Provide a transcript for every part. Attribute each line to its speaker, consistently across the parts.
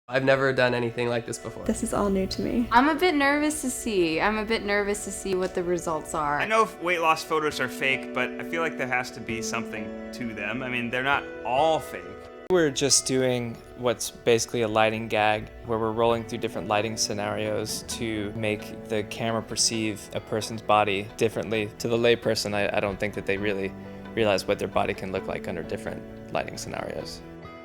Speaker 1: I've never done anything like this before.
Speaker 2: This is all new to me.
Speaker 3: I'm a bit nervous to see. What the results are.
Speaker 4: I know if weight loss photos are fake, but I feel like there has to be something to them. I mean, they're not all fake.
Speaker 5: We're just doing what's basically a lighting gag, where we're rolling through different lighting scenarios to make the camera perceive a person's body differently. To the layperson, I don't think that they really realize what their body can look like under different lighting scenarios.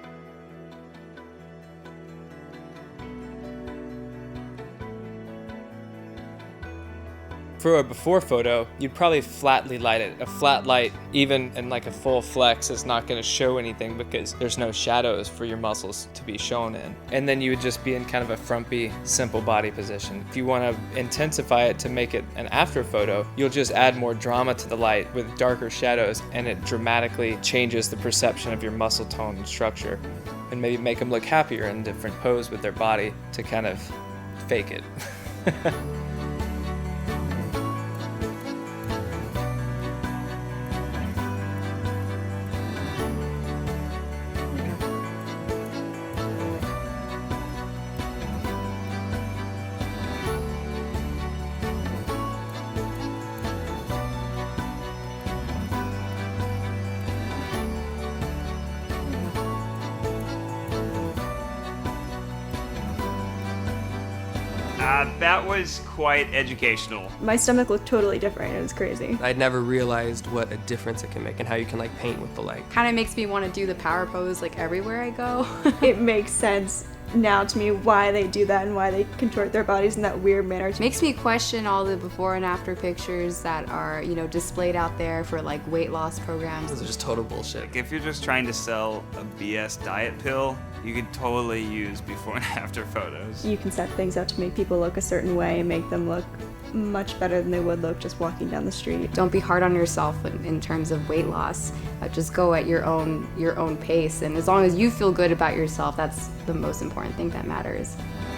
Speaker 5: For a before photo, you'd probably flatly light it. A flat light, even in like a full flex, is not going to show anything because there's no shadows for your muscles to be shown in. And then you would just be in kind of a frumpy, simple body position. If you want to intensify it to make it an after photo, you'll just add more drama to the light with darker shadows, and it dramatically changes the perception of your muscle tone and structure, and maybe make them look happier in different pose with their body to kind of fake it.
Speaker 4: That was quite educational.
Speaker 2: My stomach looked totally different. It was crazy.
Speaker 1: I'd never realized what a difference it can make and how you can like paint with the light.
Speaker 3: Kind of makes me want to do the power pose like everywhere I go.
Speaker 2: It makes sense now to me why they do that and why they contort their bodies in that weird manner.
Speaker 3: Makes me question all the before and after pictures that are, displayed out there for like weight loss programs.
Speaker 1: Those are just total bullshit.
Speaker 4: Like, if you're just trying to sell a BS diet pill, you could totally use before and after photos.
Speaker 2: You can set things up to make people look a certain way and make them look much better than they would look just walking down the street.
Speaker 3: Don't be hard on yourself in terms of weight loss. Just go at your own pace, and as long as you feel good about yourself, that's the most important thing that matters.